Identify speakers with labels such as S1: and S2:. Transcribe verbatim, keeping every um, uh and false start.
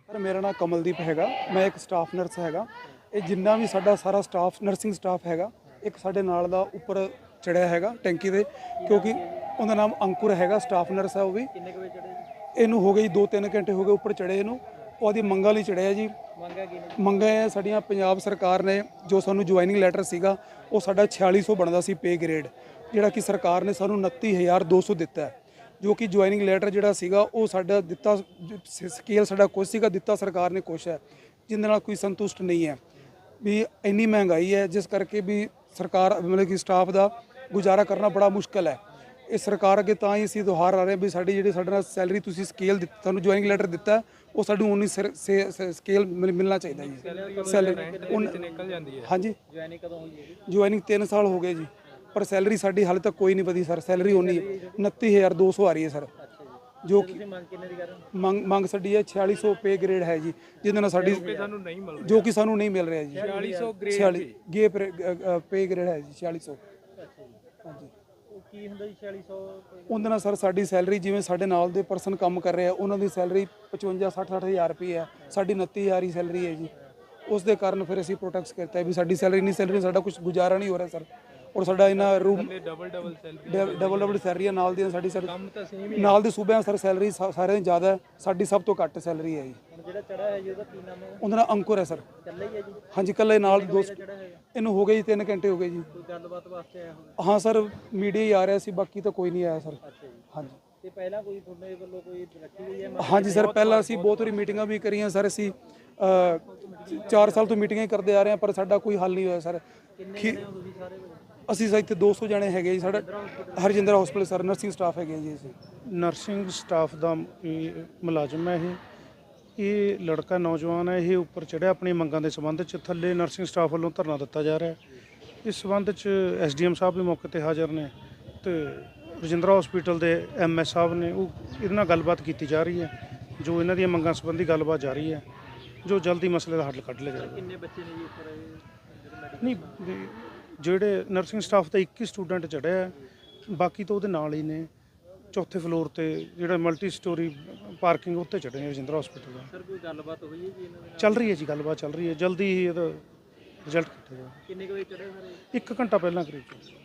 S1: Sir मेरा नाम कमलदीप हैगा, मैं एक स्टाफ नर्स हैगा। ਇਹ ਜਿੰਨਾ ਵੀ ਸਾਡਾ ਸਾਰਾ ਸਟਾਫ ਨਰਸਿੰਗ ਸਟਾਫ ਹੈਗਾ, ਇੱਕ ਸਾਡੇ ਨਾਲ ਦਾ ਉੱਪਰ ਚੜਿਆ ਹੈਗਾ ਟੈਂਕੀ ਦੇ, ਕਿਉਂਕਿ ਉਹਦਾ ਨਾਮ ਅੰਕੁਰ ਹੈਗਾ, ਸਟਾਫ ਨਰਸ ਹੈ ਉਹ ਵੀ।
S2: ਕਿੰਨੇ ਕੁ ਵਜੇ ਚੜੇ ਜੀ?
S1: ਇਹਨੂੰ ਹੋ ਗਏ ਜੀ ਦੋ ਤਿੰਨ ਘੰਟੇ ਹੋ ਗਏ ਉੱਪਰ ਚੜੇ ਇਹਨੂੰ। ਉਹਦੀ ਮੰਗਾਂ ਲਈ ਚੜਿਆ ਜੀ।
S2: ਮੰਗਾ ਕੀ ਨੇ?
S1: ਮੰਗਾਂ ਹੈ ਸਾਡੀਆਂ ਪੰਜਾਬ ਸਰਕਾਰ ਨੇ ਜੋ ਸਾਨੂੰ ਜੁਆਇਨਿੰਗ ਲੈਟਰ ਸੀਗਾ ਉਹ ਸਾਡਾ ਛਿਆਲੀ ਸੌ ਬਣਦਾ ਸੀ ਪੇ ਗ੍ਰੇਡ, ਜਿਹੜਾ ਕਿ ਸਰਕਾਰ ਨੇ ਸਾਨੂੰ ਉਨੱਤੀ ਹਜ਼ਾਰ ਦੋ ਸੌ ਦਿੱਤਾ ਹੈ। ਜੋ ਕਿ ਜੁਆਇਨਿੰਗ ਲੈਟਰ ਜਿਹੜਾ ਸੀਗਾ ਉਹ ਸਾਡਾ ਦਿੱਤਾ ਸਕੇਲ ਸਾਡਾ ਕੁਛ ਸੀਗਾ, ਦਿੱਤਾ ਸਰਕਾਰ ਨੇ ਕੁਛ ਹੈ, ਜਿਹਦੇ ਨਾਲ ਕੋਈ ਸੰਤੁਸ਼ਟ ਨਹੀਂ ਹੈ। ਵੀ ਇੰਨੀ ਮਹਿੰਗਾਈ ਹੈ ਜਿਸ ਕਰਕੇ ਵੀ ਸਰਕਾਰ ਮਤਲਬ ਕਿ ਸਟਾਫ ਦਾ ਗੁਜ਼ਾਰਾ ਕਰਨਾ ਬੜਾ ਮੁਸ਼ਕਲ ਹੈ। ਇਹ ਸਰਕਾਰ ਅੱਗੇ ਤਾਂ ਹੀ ਅਸੀਂ ਦੁਹਾਰ ਆ ਰਹੇ ਵੀ ਸਾਡੀ ਜਿਹੜੀ ਸਾਡੇ ਨਾਲ ਸੈਲਰੀ ਤੁਸੀਂ ਸਕੇਲ ਦਿੱਤਾ, ਤੁਹਾਨੂੰ ਜੁਆਇਨਿੰਗ ਲੈਟਰ ਦਿੱਤਾ, ਉਹ ਸਾਨੂੰ ਉਨੀ ਸਕੇਲ ਮਿਲਣਾ ਚਾਹੀਦਾ ਜੀ। ਸੈਲਰੀ
S2: ਨਿਕਲ ਜਾਂਦੀ ਹੈ।
S1: ਹਾਂਜੀ,
S2: ਜੁਆਇਨਿੰਗ ਕਦੋਂ ਹੋਈ ਹੈ ਜੀ?
S1: ਜੁਆਇਨਿੰਗ ਤਿੰਨ ਸਾਲ ਹੋ ਗਏ ਜੀ, ਪਰ ਸੈਲਰੀ ਸਾਡੀ ਹਾਲੇ ਤੱਕ ਕੋਈ ਨਹੀਂ ਵਧੀ ਸਰ। ਸੈਲਰੀ ਉਨੀ ਉਨੱਤੀ ਹਜ਼ਾਰ ਦੋ ਸੌ ਆ ਰਹੀ ਹੈ ਸਰ। ਜੋ ਕਿ
S2: ਮੰਗ ਕਿੰਨੇ ਦੀ ਕਰ ਰਹੇ ਹੋ?
S1: ਮੰਗ ਮੰਗ ਸਾਡੀ ਹੈ ਛਿਆਲੀ ਸੌ ਪੇ ਗ੍ਰੇਡ ਹੈ ਜੀ, ਜਿਹਦੇ ਨਾਲ ਸਾਡੀ
S2: ਸਾਨੂੰ ਨਹੀਂ ਮਿਲ
S1: ਜੋ ਕਿ ਸਾਨੂੰ ਨਹੀਂ ਮਿਲ ਰਿਹਾ ਜੀ।
S2: ਛਿਆਲੀ ਸੌ
S1: ਛਿਆਲੀ ਗੇ ਪੇ ਗ੍ਰੇਡ ਹੈ ਜੀ ਛਿਆਲੀ ਸੌ। ਹਾਂਜੀ,
S2: ਉਹ ਕੀ ਹੁੰਦਾ ਜੀ ਛਿਆਲੀ ਸੌ?
S1: ਉਹਦੇ ਨਾਲ ਸਰ ਸਾਡੀ ਸੈਲਰੀ ਜਿਵੇਂ ਸਾਡੇ ਨਾਲ ਦੇ ਪਰਸਨ ਕੰਮ ਕਰ ਰਹੇ ਆ ਉਹਨਾਂ ਦੀ ਸੈਲਰੀ ਪਚਵੰਜਾ ਸੱਠ ਸੱਠ ਹਜ਼ਾਰ ਰੁਪਏ ਹੈ, ਸਾਡੀ ਉਨੱਤੀ ਹਜ਼ਾਰ ਹੀ ਸੈਲਰੀ ਹੈ ਜੀ। ਉਸ ਦੇ ਕਾਰਨ ਫਿਰ ਅਸੀਂ ਪ੍ਰੋਟੈਕਟ ਕੀਤਾ ਵੀ ਸਾਡੀ ਸੈਲਰੀ ਨਹੀਂ, ਸੈਲਰੀ ਸਾਡਾ ਕੁਝ ਗੁਜ਼ਾਰਾ ਨਹੀਂ ਹੋ ਰਿਹਾ ਸਰ। ਔਰ ਸਾਡਾ ਇਹਨਾਂ room
S2: double double salary
S1: double double ਸੈਲਰੀਆਂ ਨਾਲ ਦੀਆਂ ਸਾਡੀ ਸਰ
S2: ਕੰਮ ਤਾਂ ਸੇਮ ਹੀ
S1: ਨਾਲ ਦੇ ਸੂਬਿਆਂ ਸਰ ਸੈਲਰੀ ਸਾਰਿਆਂ ਦੀ ਜ਼ਿਆਦਾ ਹੈ, ਸਾਡੀ ਸਭ ਤੋਂ ਘੱਟ ਸੈਲਰੀ ਹੈ ਜੀ।
S2: ਹੁਣ ਜਿਹੜਾ ਚੜਾ ਹੈ ਜੀ ਉਹਦਾ ਕੀ ਨਾਮ ਹੈ?
S1: ਉਹਦਾ ਨਾਮ ਅੰਕੁਰ ਹੈ ਸਰ।
S2: ਇਕੱਲਾ ਹੀ ਹੈ ਜੀ?
S1: ਹਾਂਜੀ, ਇਕੱਲੇ ਨਾਲ ਦੋਸਤ।
S2: ਚੜਾ ਹੈਗਾ?
S1: ਇਹਨੂੰ ਹੋ ਗਏ ਜੀ ਤਿੰਨ ਘੰਟੇ ਹੋ ਗਏ ਜੀ।
S2: ਕੋਈ ਗੱਲਬਾਤ ਵਾਸਤੇ ਆਇਆ ਹੋਵੇ?
S1: ਹਾਂ ਸਰ, ਮੀਡੀਆ ਹੀ ਆ ਰਿਹਾ ਸੀ, ਬਾਕੀ ਤਾਂ ਕੋਈ ਨਹੀਂ ਆਇਆ ਸਰ।
S2: ਅੱਛਾ ਜੀ।
S1: ਹਾਂਜੀ
S2: ਤੇ ਪਹਿਲਾਂ ਕੋਈ ਤੁਹਾਡੇ ਵੱਲੋਂ ਕੋਈ ਰੱਖੀ ਹੋਈ ਹੈ?
S1: ਹਾਂਜੀ ਸਰ, ਪਹਿਲਾਂ ਅਸੀਂ ਬਹੁਤ ਵਾਰੀ ਮੀਟਿੰਗਾਂ ਵੀ ਕਰੀਆਂ ਸਰ। ਅਸੀਂ ਚਾਰ ਸਾਲ ਤੋਂ ਮੀਟਿੰਗਾਂ ਹੀ ਕਰਦੇ ਆ ਰਹੇ ਹਾਂ, ਪਰ ਸਾਡਾ ਕੋਈ ਹੱਲ ਨਹੀਂ ਹੋਇਆ ਸਰ।
S2: ਕਿੰਨੇ ਜਣੇ ਹੋ ਤੁਸੀਂ ਸਾਰੇ?
S1: ਅਸੀਂ ਸਰ ਇੱਥੇ ਦੋ ਸੌ ਜਣੇ ਹੈਗੇ ਜੀ। ਸਾਡਾ Harjinder hospital sir nursing staff ਹੈਗੇ ਜੀ। ਅਸੀਂ
S3: ਨਰਸਿੰਗ ਸਟਾਫ ਦਾ ਇਹ ਮੁਲਾਜ਼ਮ ਹੈ। ਇਹ ਇਹ ਲੜਕਾ ਨੌਜਵਾਨ ਹੈ। ਇਹ ਉੱਪਰ ਚੜ੍ਹਿਆ ਆਪਣੀ ਮੰਗਾਂ ਦੇ ਸੰਬੰਧ 'ਚ। ਥੱਲੇ ਨਰਸਿੰਗ ਸਟਾਫ ਵੱਲੋਂ ਧਰਨਾ ਦਿੱਤਾ ਜਾ ਰਿਹਾ ਹੈ। ਇਸ ਸੰਬੰਧ 'ਚ ਐਸ ਡੀ ਐਮ ਸਾਹਿਬ ਵੀ ਮੌਕੇ 'ਤੇ ਹਾਜ਼ਰ ਨੇ ਅਤੇ ਰਜਿੰਦਰਾ ਹਸਪੀਟਲ ਦੇ ਐਮ ਐਸ ਸਾਹਿਬ ਨੇ। ਉਹ ਇਹਦੇ ਨਾਲ ਗੱਲਬਾਤ ਕੀਤੀ ਜਾ ਰਹੀ ਹੈ, ਜੋ ਇਹਨਾਂ ਦੀਆਂ ਮੰਗਾਂ ਸੰਬੰਧੀ ਗੱਲਬਾਤ ਜਾਰੀ ਹੈ, ਜੋ ਜਲਦੀ ਮਸਲੇ ਦਾ ਹੱਲ ਕੱਢ ਲਿਆ ਜਾਵੇਗਾ।
S2: ਕਿੰਨੇ ਬੱਚੇ ਨੇ ਜੀ ਉੱਪਰ?
S3: ਨਹੀਂ, ਜਿਹੜੇ ਨਰਸਿੰਗ ਸਟਾਫ ਦਾ ਇੱਕ ਹੀ ਸਟੂਡੈਂਟ ਚੜ੍ਹਿਆ ਹੈ, ਬਾਕੀ ਤਾਂ ਉਹਦੇ ਨਾਲ ਹੀ ਨੇ। ਚੌਥੇ ਫਲੋਰ ਤੇ ਜਿਹੜਾ ਮਲਟੀ ਸਟੋਰੀ ਪਾਰਕਿੰਗ ਉੱਤੇ ਚੜ੍ਹੇ ਨੇ ਰਜਿੰਦਰਾ ਹਸਪੀਟਲ ਦਾ।
S2: ਸਰ ਕੋਈ ਗੱਲਬਾਤ ਹੋਈ ਹੈ ਜੀ ਇਹਨਾਂ ਦੇ ਨਾਲ?
S3: ਚੱਲ ਰਹੀ ਹੈ ਜੀ, ਗੱਲਬਾਤ ਚੱਲ ਰਹੀ ਹੈ। ਜਲਦੀ ਹੀ ਇਹਦਾ ਰਿਜ਼ਲਟ ਕੀਤਾ ਜਾਵੇਗਾ।
S2: ਕਿੰਨੇ ਕੁ ਵਜੇ ਚੜੇ ਸਾਰੇ?
S3: ਇੱਕ ਘੰਟਾ ਪਹਿਲਾਂ ਕਰੀਬ।